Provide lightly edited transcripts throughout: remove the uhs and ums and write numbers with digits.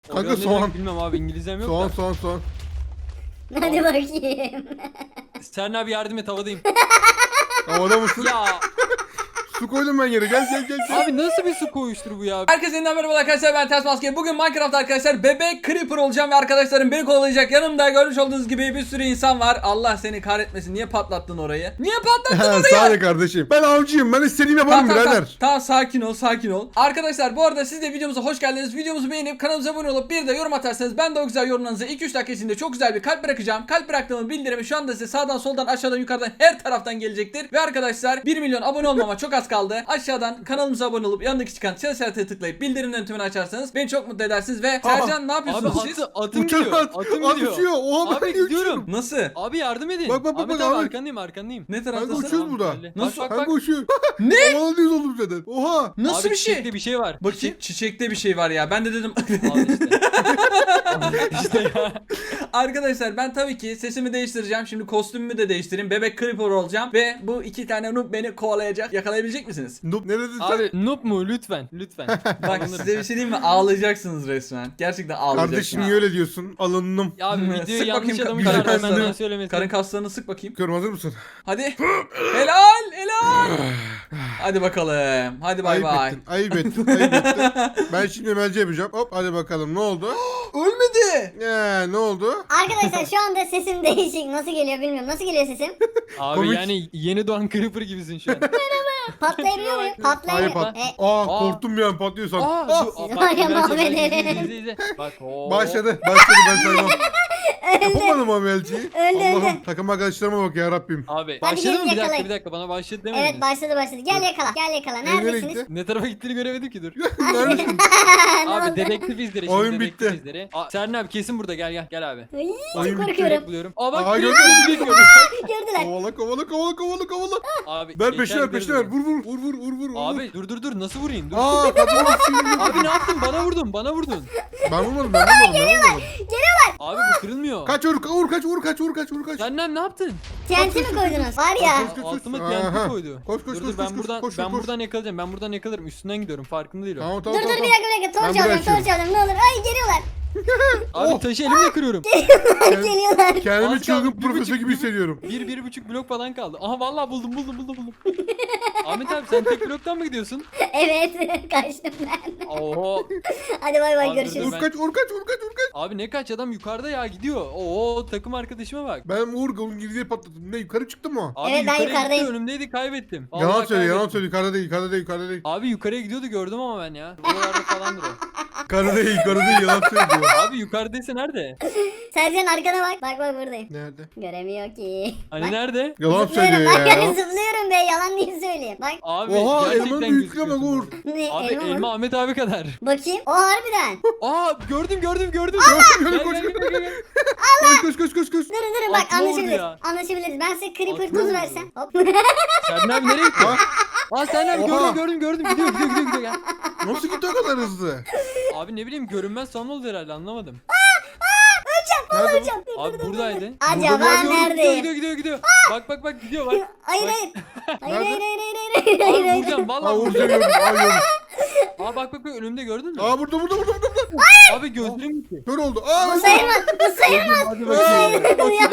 Kanka soğan. Bilmem abi, İngilizcem yok Soğan da. soğan soğan. Hadi bakayım. Serna abi yardım et, havadayım. Havada mısın? Ya Su koydum ben yere. Gel. abi nasıl bir su koyuştur bu ya? Herkese yeniden merhaba arkadaşlar, ben Ters Maske. Bugün Minecraft arkadaşlar bebek creeper olacağım ve arkadaşlarım beni kovalayacak. Yanımda görmüş olduğunuz gibi bir sürü insan var. Allah seni kahretmesin, niye patlattın orayı? Niye patlattın orayı? Sağ ol kardeşim. Ben avcıyım. Ben istediğimi yaparım birader. Tamam, sakin ol. Arkadaşlar bu arada siz de videomuza hoş geldiniz. Videomuzu beğenip kanalımıza abone olup bir de yorum atarsanız ben de o güzel yorumlarınıza 2-3 dakika içinde çok güzel bir kalp bırakacağım. Kalp bıraktığımın bildirimi şu anda size sağdan soldan aşağıdan yukarıdan her taraftan gelecektir. Ve arkadaşlar 1 milyon abone olmama çok az kaldı. Aşağıdan kanalımıza abone olup yanındaki çıkan çan işaretine tıklayıp bildirimlerin tümünü açarsanız beni çok mutlu edersiniz. Ve Sercan ne yapıyorsunuz Abi siz? Uçan Atım gidiyor. at. Atım At gidiyor. uçuyor. Oha Abi ben gidiyorum. uçuyorum. Nasıl? Abi yardım edin. Bak, Ahmet abi. abi arkandayım. Ne Kanka taraftasın? uçuyoruz burada. Nasıl? Kanka uçuyor. Ne? Havalıyız oğlum zaten. Oha. Nasıl Abi bir şey? çiçekli bir şey var. Bakayım. Çiçekte bir şey var ya. Ben de dedim. Al işte. Arkadaşlar ben tabii ki sesimi değiştireceğim. Şimdi kostümümü de değiştireyim. Bebek creeper olacağım. Ve bu iki tane noob beni kovalayacak. Yakalayabilecek misiniz? Noob ne dedin sen? Abi noob mu? Lütfen. Bak size bir şey diyeyim mi? Ağlayacaksınız resmen. Gerçekten ağlayacaksınız. Kardeşim niye öyle diyorsun? Alındım. Ya abi Sık videoyu yanlış bakayım, adamı karın çıkardım, kaslarını. benden söylemesi. Karın kaslarını sık bakayım. Görüm hazır mısın? Hadi. Helal. Hadi bakalım. Hadi bay bay. Ayıp ettin. Ben şimdi emelci yapacağım. Hop hadi bakalım ne oldu? Ölmedi. Ne oldu? Arkadaşlar şu anda sesim değişik. Nasıl geliyor bilmiyorum. Nasıl geliyor sesim? Abi Komik. yani yeni doğan creeper gibisin şu an. Patlayabiliyor muyum? Hayır Patlayabiliyor. pat. E, Korktum bir an patlıyorsan. Aa, Var ya, Muhammed Eren. izle. Bak. Başladı ben saymam. Yapamadım amelciyi. Öldü. Allah'ım takım arkadaşlarıma bak ya Rabbim. Abi Hadi başladı gelin mı? yakalayın. Bir dakika bana başladı demedin. Evet başladı. Gel yakala. Nereye Neredesiniz? gitti? Ne tarafa gittiğini göremedim ki, dur. Neredesin? Ne Abi oldu? dedektif izleri şimdi. Oyun dedektif bitti. izleri. Serna abi kesin burada, gel abi. Ay, Oyun çok bitti. korkuyorum. Buluyorum. Aa bak Aa, direkt gördüm. önümü bekliyorum. Gördüler. Kovala. Abi Ver geçer peşine ver. gideriz. Vur. Abi dur nasıl vurayım? Dur. Kadın Abi ne yaptın? Bana vurdun. Ben vurmadım. Abi bu kırılmıyor. Kaç. Senden ne yaptın? TNT mi koydunuz? Var ya. Koş. Altıma Aha. TNT koydu. Koş, Dur ben buradan koş. buradan yakalayacağım. Ben buradan yakalarım. Üstünden gidiyorum. Farkında değil o. Tamam. Dur bir dakika. Torç Ben alacağım. bırakıyorum. Ne olur. Ay geliyorlar. Abi taşı elimle kırıyorum. Geliyorlar. Kendimi Az çılgın kaldı, bir profesör buçuk, gibi bir- hissediyorum. 1,5 blok falan kaldı. Aha vallahi buldum. Ahmet abi sen tek bloktan mı gidiyorsun? Evet. Kaçtım ben. Oo. Hadi bay bay Abi, görüşürüz. dur, Vur kaç. Abi ne kaç, adam yukarıda ya, gidiyor. Oo takım arkadaşıma bak. Ben Uğur'un girdiği patladım. Ne yukarı çıktı mı o? Abi Evet, ben yukarı yukarıdayım. gitti, önümdeydi, kaybettim. Yalan Vallahi söyle. kaybettim. Yukarıda değil. Abi yukarıya gidiyordu, gördüm ama ben ya. Buralarda falandır o. Yukarıda değil. Yalan söylüyor. Abi yukarıdaysa nerede? Sercan arkana bak. Bak buradayım. Nerede? Göremiyor ki. Hani Bak, nerede? Yalan zıplıyorum. söylüyor Bak ya. zıplıyorum be. Yalan değil söyleyeyim. Bak. Abi Oha gerçekten elmanın büyüklüğüne bak gözüküyorsun Uğur. orada. Ne? Abi elma mı? elma Ahmet abi kadar. Bakayım. O harbiden. Aa gördüm. Gel. Koş. Durun bak Aklıma vurdu anlaşabiliriz. ya. Anlaşabiliriz. Ben size creeper Aklıma tuz vurdu. versem. Hop. Serdin abi nereye gitti? Aa Serdin abi Oha. gördüm. Gidiyor gel. Nasıl gitti o kadar hızlı? Abi ne bileyim, görünmez son oldu herhalde, anlamadım. Nerede bu? Hocam. Abi buradaydı. Acaba Burada neredeyim? Gidiyor. Bak gidiyor bak. Hayır. Nerede? Abi vuracağım Aa vallahi Uğur vuracağım. görüyorum. Gördüm. Aa bak önümde, gördün mü? Aa burada. Abi gözlerim gitti. Kör oldu. Bu sayılmaz. Hadi bakayım.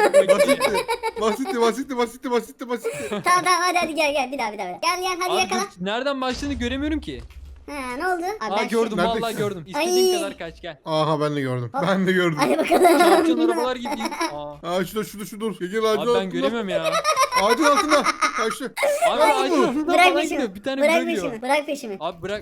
Basitti. Tamam hadi gel bir daha. Gel hadi Abi yakala. dur, nereden başladığını göremiyorum ki. Ha ne oldu? Abi, Aa ben gördüm, Neredesin? vallahi gördüm. İstediğin Ay. kadar kaç, gel. Aha ben de gördüm. Hadi bakalım. Çarpçan arabalar gidiyor. Aa. Şu dur. Gel ağacın Abi ben göremiyorum ya. Ağacın altında. Kaçtı. Abi Ay, ağacın altından Bırak falan peşimi. gidiyor. Bir tane bırakıyor. Bırak peşimi. Abi bırak.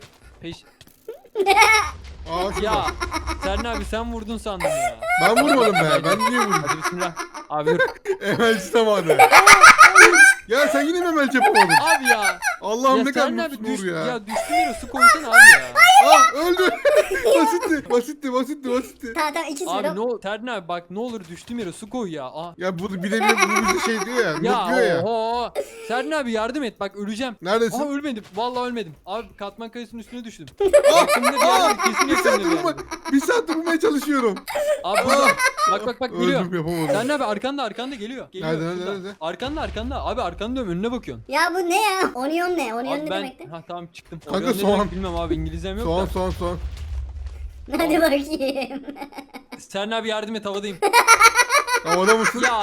Ağacın Ya Serdin abi sen vurdun sandım ya. Ben vurmadım be. Ben niye vurdum? Hadi bismillah. Abi dur. Emelci zamanı. Ya sen yine mi emelci yapamadın? Abi ya. Allah'ım Ya ne kadar Serdin abi mutlusun Uğur ya. Ya düştüm yere, su koysana abi ya. Öldü. Basitti. Tamam ikisi Abi bir. ne olur Serdin abi bak, ne olur düştüm yere, su koy ya. Aa. Ya bu bir de bu bize şey diyor ya. Noob Ya diyor ya. oho. Serdin abi yardım et, bak öleceğim. Neredesin? Aha ölmedim. Vallahi ölmedim. Abi katman kayasının üstüne düştüm. Yakında bir yerde, kesin Bir saattir yakında bir bulma, yerde. bir saattir bulmaya çalışıyorum. Abi burada. Bak geliyor. Öldüm yapamadım. Serdin abi arkanda geliyor. Nerede? şurada. Arkanda. Abi arkanda diyorum, önüne bakıyorsun. Ya bu ne ya? Onion ne? Onion Abi ne ben demekti? ha tamam çıktım. Kanka Oraya ne soğan. demek bilmem abi, İngilizcem yok da. Soğan. Hadi bakayım. Seren abi yardım et, havadayım. Havada mısın? Ya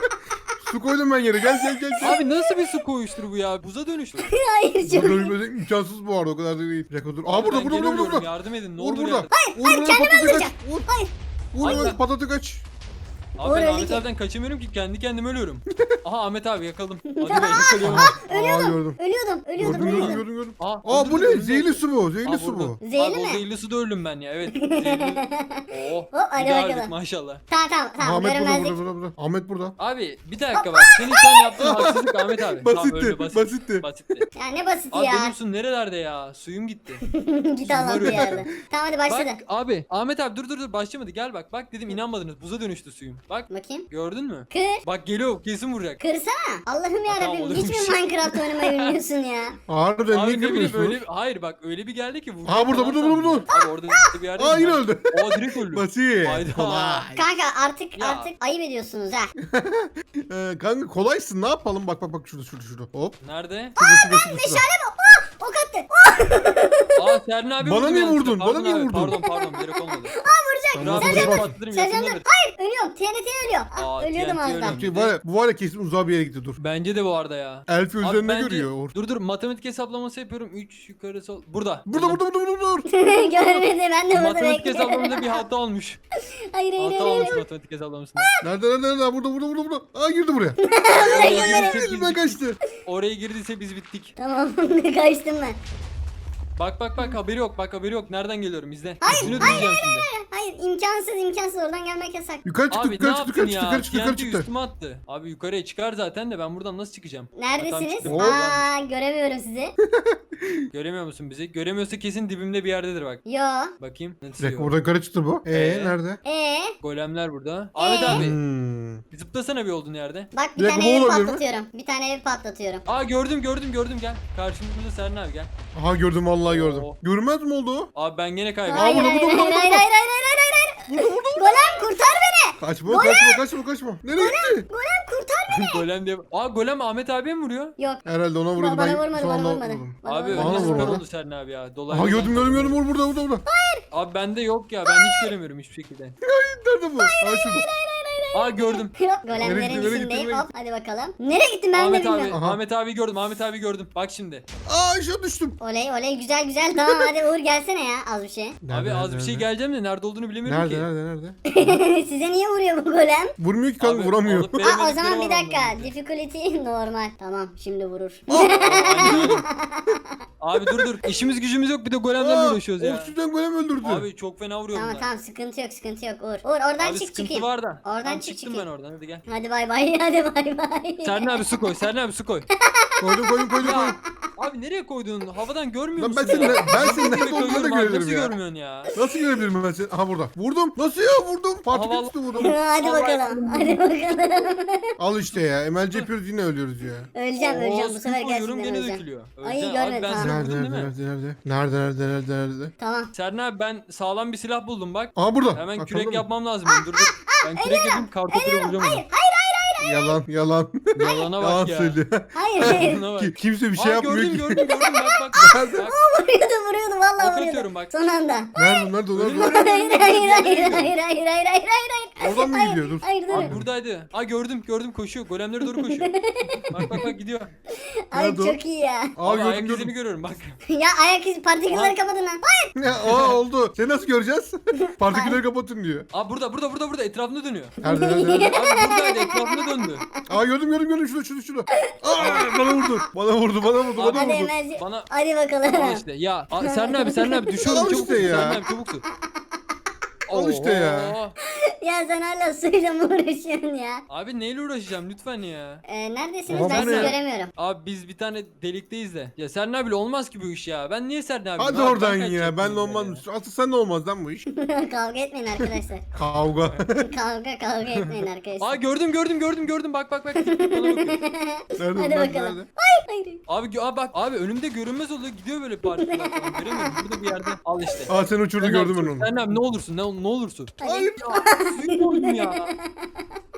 Su koydum ben yere. Gel. abi nasıl bir su koyuştur bu ya? Buza dönüştü. Hayır Bu çok. dönüşmesi imkansız bu arada. O kadar da değil. Bir dakika dur. Aa burada Ben gene ölüyorum, burada. yardım edin ne Vur olur burada. yardım. Hayır kendimi patatı öldüreceğim. kaç. Vur. Hayır. Vur Hayır. lan patatı kaç. Abi ben Uğur Ahmet öldü ki. abiden kaçamıyorum ki, kendi kendime ölüyorum. Aha Ahmet abi yakaladım. Hadi be yakalayalım. Aa gördüm. Ölüyordum. Gördüm. Aa, Aa bu öldürdüm, ne? öldürdüm. Zehirli su bu. Zehirli Aa, su vurdu. bu. Zehirli Abi o mi? zehirli suda öldüm ben ya, evet. Zehirli. Oh. Hop, hadi bir daha öldük bakalım. maşallah. Tamam Ahmet görünmezlik. burada. Ahmet burada. Abi bir dakika bak, senin şu an yaptığın haksızlık Ahmet abi. Tamam, öldü, Basitti. Basitti. Ya ne basit Abi ya. benim su nerelerde ya? Suyum gitti. Git Allah'ın Varıyor. yerde. Tamam hadi başladı. Bak abi, Ahmet abi dur başlamadı, gel bak. Bak dedim, inanmadınız, buza dönüştü suyum. Bak Bakayım. gördün mü? Kır. Bak geliyor, kesin vuracak. Kırsana. Allah'ım Tamam, yarabbim. Hiç oluyormuş. mi Minecraft oynamayı bilmiyorsun ya? Harbiden niye Abi ne bileyim girmiyorsun? öyle, hayır bak öyle bir geldi ki vuracak. Aa, burada, falan burada. sandım. Abi orada bir yerde. Aa yine öldü. Aa direkt öldü. Basit. Hayda. Kolay. Kanka artık Ya. ayıp ediyorsunuz ha. Kanka kolaysın ne yapalım bak şurada hop. Nerede? Şurada. Meşale mi? Ok attı. Aa Serna abi Bana vurdu niye yanlışlıkla. vurdun? Bana Pardon niye abi, vurdun? Pardon direkt olmadı. Tamam, Rahat dur, bırak, bak. patlatırım, Sercan yakında dur. ver. Hayır ölüyorum. TNT ölüyor. Aa, Ah, ölüyordum TNT az ölüyor. daha. Bu var ya kesin uzağa bir yere gitti dur. Bence de bu arada ya. Elfi Abi üzerine bence- görüyor. Dur matematik hesaplaması yapıyorum. 3 yukarı sol. Burada. Burada. Görmedi ben de burada Matematik bekliyorum. hesaplamada bir hata olmuş. Hayır hayır Hata hayır. olmuş matematik hesaplamasında. Nerede? Burada. Aa girdi buraya. Oraya girdiyse Elimden kaçtı. Oraya girdiyse biz bittik. Tamam kaçtım ben. Bak haberi yok. Bak haberi yok. Nereden geliyorum izle. Hayır, İsmini hayır, duyacağım şimdi. Hayır imkansız oradan gelmek yasak. Yukarı çıktı, Abi ne yaptın ya? yukarı çıktı. TNT üstüme attı. Abi yukarıya çıkar zaten de ben buradan nasıl çıkacağım? Neredesiniz? çıktım. Aa göremiyorum sizi. Göremiyor musun bizi? Göremiyorsa kesin dibimde bir yerdedir bak. Yo. Bakayım. Bir Nasıl dakika yok? buradan yukarı çıktı bu. Nerede? Golemler burada. Ahmet abi. Zıplasana bir olduğun yerde. Bak Bir bir dakika, tane bu evi olabilir mi? patlatıyorum. Bir tane evi patlatıyorum. Aa gördüm gel. Karşımızda Serna abi gel. Aha gördüm vallahi gördüm. Oo. Görünmez mi oldu? Abi ben gene kaybettim. Hayır burada, hayır burada, hayır burada, hayır burada. hayır hayır. Golem kurtar beni. Kaçma. Nereye gitti? Golem kurtar beni. Golem diye. Aa golem Ahmet abiye mi vuruyor? Yok. Herhalde ona vurdu. Bana Ben vurmadı sonra bana ona vurmadı. vurdum. Bana Abi vurmadı. Bana önüne vurmadı. süper oldu Serna abi ya. Dolaylı. Aha gördüm. Vur burada. Abi bende yok ya, ben hiç göremiyorum hiçbir şekilde. Nerede bu? Aa şurada. Aa gördüm. Yok Nereye golemlerin gitti, nereye içindeyim. gitti? Hop hadi bakalım. Nereye gittim ben de Ahmet abi, bilmiyorum. Aha. Ahmet abi gördüm. Bak şimdi. Aa aşağı düştüm. Oley güzel tamam hadi Uğur gelsene ya az bir şey. Abi az bir şey geleceğim de nerede olduğunu bilemiyorum ki. Nerede? Size niye vuruyor bu golem? Vurmuyor ki kanka Abi, vuramıyor. alıp Aa o veremedikleri zaman var bir dakika. onların. Difficulty normal. Tamam şimdi vurur. Aynen. Abi dur. İşimiz gücümüz yok, bir de golemlerle uğraşıyoruz ya. Oksijen golem öldürdü. Abi çok fena vuruyor tamam bunlar. tamam sıkıntı yok Uğur. Uğur oradan Abi çık sıkıntı çıkayım. var da. Oradan Tamam, çık çıktım çıkayım. ben oradan, hadi gel. Hadi bay bay. Serna abi su koy. Serna abi su koy. Koydum. Ya abi nereye koydun? Havadan görmüyor Lan musun? ben senin nerede Nereye olduğunu da koyuyorum abi? görebilirim Nasıl ya. görmüyorsun ya? Nasıl görebilirim ben seni? Aha burada. Vurdum. Nasıl ya vurdum? Partikül Havalı- üstü vurdum. Hadi bakalım. Hadi bakalım. Al işte ya. MLC yapıyoruz yine ölüyoruz ya. Öleceğim bu su sefer koyuyorum, gerçekten gene öleceğim. dökülüyor. Ay, Öleceğim. görmedim, Abi ben tamam. seni Nerede vurdum değil mi? nerede? Tamam. Serna abi ben sağlam bir silah buldum bak. Aha burada. Hemen Bak, kürek gördün mü? yapmam lazım. Dur. Ben kürek yapayım, kartopuyla vuracağım onu. Yalan. Yalana Yalan bak ya. söylüyor. Hayır. Yalana bak. Kimse bir şey Aa, yapmıyor ki. gördüm bak. Nerede? Bak. vuruyordu vallahi Ok vuruyordu. atıyorum bak. Son anda. Nerede? Hayır. Oradan mı gidiyor? Dur. Hayır dur. Abi buradaydı. Aa gördüm koşuyor. Golemlere doğru koşuyor. bak gidiyor. Ay Nerede o? çok iyi ya. Aa Abi ayak gördüm. izini görüyorum bak. Ya ayak izi partikülleri kapatın lan. Hayır. Ya, oldu. Seni nasıl göreceğiz? Partikülleri kapatın diyor. Aa burada etrafında dönüyor. Nerede? Abi buradaydı, etrafında döndü. Aa gördüm. Şurada. Aa bana vurdu. Hadi Emelci. Bana Hadi bakalım. al işte. Ya Serna abi düşüyorum, Al çabuk işte tut. ya. Serna abi çabuk tut. Al işte ya. Oo. Ya sen hala suyla mı uğraşıyorsun ya? Abi neyle uğraşacağım lütfen ya. Neredesiniz? Ama Ben bu sizi ne? göremiyorum. Abi biz bir tane delikteyiz de. Ya Serna abiyle olmaz ki bu iş ya. Ben niye Serna abi? Hadi oradan ya. Ben de olmaz. Asıl sen de olmaz lan bu iş. Kavga etmeyin arkadaşlar. Kavga. Kavga etmeyin arkadaşlar. Aa gördüm. Bak. Bana bakıyor. Hadi bakalım. Hayır. Abi bak abi önümde görünmez oluyor, gidiyor böyle partiküller falan. Göremiyorum, burada bir yerde. Al işte. Aa sen uçurdu gördüm ben onu. Serna abi ne olursun. Hadi. Hayır. Ya suyun oldum ya.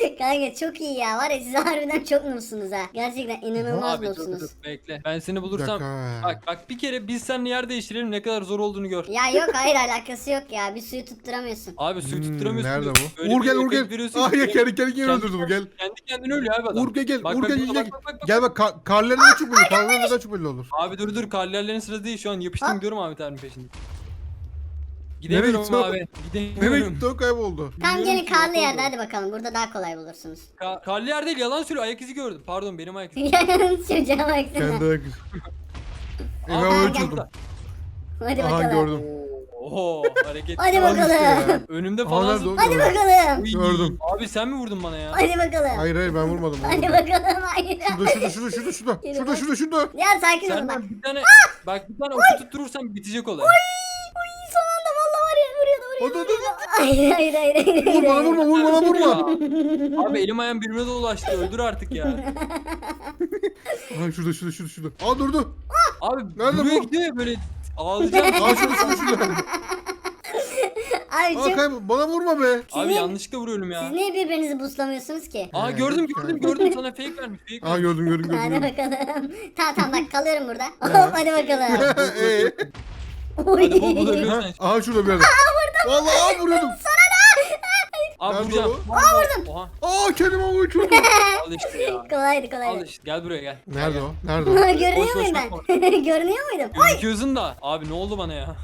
Kanka çok iyi ya. Var ya siz harbiden çok noobsunuz ha. Gerçekten inanılmaz Abi dur dur noobsunuz. bekle. Ben seni Bir bulursam dakika. bak bir kere biz seninle yer değiştirelim ne kadar zor olduğunu gör. Ya yok hayır alakası yok ya. Bir suyu tutturamıyorsun. Abi suyu tutturamıyorsun. Nerede diyor. bu? Öyle Uğur bir gel Uğur efekt gel. veriyorsun Ay ki ya kendi öldürdü bu gel. Kendi kendine ölüyor abi adam. Uğur gel. Bak, Uğur bak, gel bak, gel. bak, bak, bak. Gel bak karlarına çok belli. Karlarına çok belli olur. Abi dur karlarların sırası değil şu an yapıştım Ha? gidiyorum Ahmet abinin peşinde. Nereye Gidemiyorum gitti o? abi. Nereye Gidemiyorum. gitti o kayboldu. Tamam Bilmiyorum gelin ki, karlı yok yerde oldu. hadi bakalım. Burada daha kolay bulursunuz. Karlı yer değil yalan söylüyor ayak izi gördüm. Pardon benim ayak izi. Çocuğa baksana. Kendi ayak izi. Ben Aa, öyle gel. çözdüm. Hadi Aha bakalım. gördüm. Oho hareket. Hadi Al işte ya. bakalım. Önümde Aa, falan nerede o? zıplıyor. Hadi bakalım. Uy, Gördüm. Abi sen mi vurdun bana ya? Hadi bakalım. Hayır ben vurmadım. Hadi bakalım. Hayır. Şurada. Ya sakin olun bak. Senden bir tane bak bir tane oku tutturursan bitecek olay. Son anda valla var ya vuruyordu. Hadi. Hayır hayır hayır hayır. Vur bana hayır. vurma. Abi elim ayağım birbirine dolaştı. Öldür artık ya. Ay şurada. Aa durdu. Abi Nerede buraya bu? gidiyor ya böyle ağlayacağım. Aa şurada. Abi Aa çok... kaybol. Bana vurma be. Abi niye- yanlışlıkla vuruyorum ya. Siz niye birbirinizi buslamıyorsunuz ki? Aa gördüm sana fake vermiş. Fake Aa vermiş. gördüm. Hadi bakalım. Tamam bak kalıyorum burada. Hop hadi bakalım. Oy. Hadi bol bol ölüyorsan. Aha şurada bir yerde. Vallahi vuruyordum. Abi Nerede vuracağım. o? Aa vurdum. Oha Aa kendime vurdum. al işte ya. Kolaydı Al kolaydı. işte gel buraya gel. Nerede o? Nerede o? Görünüyor Boş boş muyum bakma. ben? Görünüyor muydum? Gözüküyorsun da. Abi ne oldu bana ya?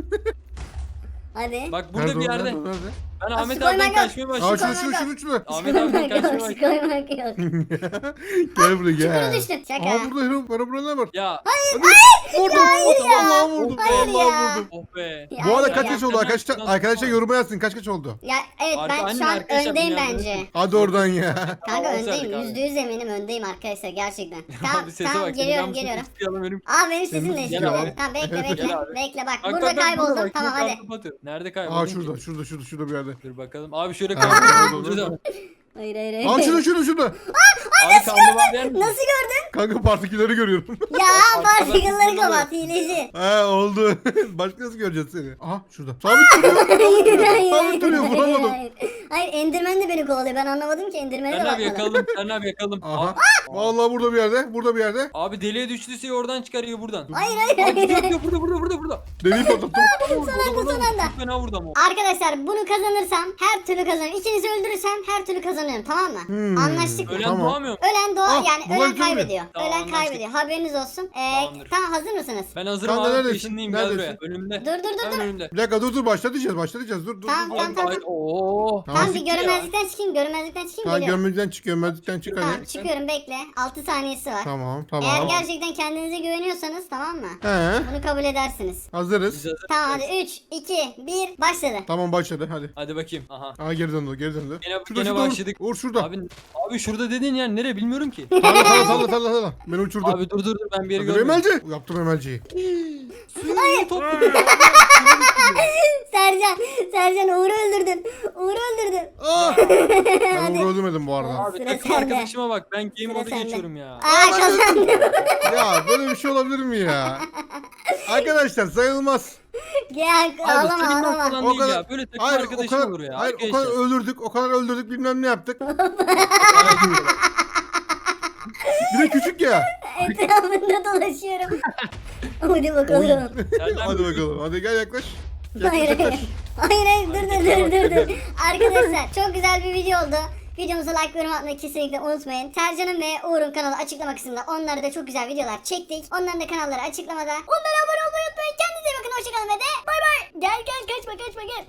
Hadi. Bak burada Nerede bir o? yerde. Nerede? Ben Aa, Ahmet su koymak abiden yok. kaçmaya Aa başladım. şurada. Ahmet abiden kaçmaya Yok başladım. koymak yok. Gel buraya Çukura gel. düştüm. Şaka. Aa burada Hero. Bana burada ne var? Ya Vurdum. ya. Vallahi vurdum. Hayır ya. Vallahi vurdum. oh be. Ya, Bu arada hayır kaç ya. yaş oldu arkadaşlar? Arkadaşlar yoruma yazsın kaç oldu? Ya evet ben Anne, şu an arkadaşlar, öndeyim dünyada bence. öyle. Hadi oradan ya. Kanka Aa, öndeyim. olsaydık abi. %100 eminim öndeyim arkadaşlar gerçekten. Tamam Abi sese tamam bak. geliyorum seni geliyorum. istiyorum, benim. Aa benim sesim de Gel istiyor. abi. Tamam bekle Gel bekle. abi. Bekle bak. Bak, Burada bak, kayboldum. bak, Tamam hadi. kartopu atıyor. Nerede kayboldun? Aa ki? şurada bir yerde. Dur bakalım. Abi şöyle Ha, kartopu orada. atıyor. Hayır hayır hayır. Aa şurada. Abi karnı yer mi? Nasıl gördün? Kanka partikileri görüyorum. Ya Arkadaşlar, partikülleri nasıl kapat hileci. Ha oldu. Başka nasıl göreceğiz seni? Aha şurada. Sabit duruyor. Sabit duruyor vuramadım. Hayır Enderman de beni kovalıyor. Ben anlamadım ki Enderman'e de Sen abi bakmadım. yakalım. Sen abi yakalım. Aha. Vallahi burada bir yerde. Abi deliye düştüyse oradan çıkarıyor buradan. Hayır hayır Abi hayır. burada. Deliği patlattım. Son anda. Çok fena vurdu ama. Arkadaşlar bunu kazanırsam her türlü kazanıyorum. İkinizi öldürürsem her türlü kazanıyorum tamam mı? Anlaştık mı? Ölen Tamam. doğamıyor mu? Ölen doğa Ah, yani bunlar ölen güzel mi? kaybediyor. Tamam, Ölen anlaştık. kaybediyor. Haberiniz olsun. Tamamdır. Tamam hazır mısınız? Ben hazırım Kanka, abi. neredesin? Peşindeyim gel buraya. Neredesin? Önümde. Dur. Hemen önümde. Bir dakika dur başlatacağız. Dur. Tamam. Ay, Oo. Tamam bir çık görünmezlikten çıkayım. Görünmezlikten çıkayım Tamam geliyorum. görmezlikten çık Tamam hadi. çıkıyorum bekle. 6 saniyesi var. Tamam. Eğer gerçekten kendinize güveniyorsanız tamam mı? He. Bunu kabul edersiniz. Hazırız. Biz hazır. Tamam hadi 3, 2, 1 başladı. Tamam başladı hadi. Hadi bakayım. Aha. Aa geri döndü. Gene başladık. Uğur şurada. Abi şurada dediğin yer nere bilmiyorum ki. Salla. Beni uçurdu. Abi dur ben bir yeri Hadi görmedim. Emelci. Yaptım Emelci'yi. Sercan Uğur'u öldürdün. Ben Uğur'u öldürmedim bu arada. Abi Sıra takım sende. arkadaşıma bak ben game Sıra moda sende. geçiyorum ya. Aa kazandım. Ya böyle bir şey olabilir mi ya? Arkadaşlar sayılmaz. Gel Abi ağlama senin ağlama. falan O değil kadar- ya. Böyle takım Hayır arkadaşın olur ya. Hayır o kadar öldürdük bilmem ne yaptık. Bir de küçük ya. Etrafında dolaşıyorum. Hadi bakalım. Hadi bakalım. Hadi gel yaklaş. Hayır hayır. Hayır dur. Arkadaşlar çok güzel bir video oldu. Videomuza like ve yorum atmayı kesinlikle unutmayın. Sercan'ın ve Uğur'un kanalı açıklama kısmında. Onlara da çok güzel videolar çektik. Onların da kanalları açıklamada. Onlara abone olmayı unutmayın. Kendinize iyi bakın. Hoşçakalın ve de bay bay. Gel kaçma gel.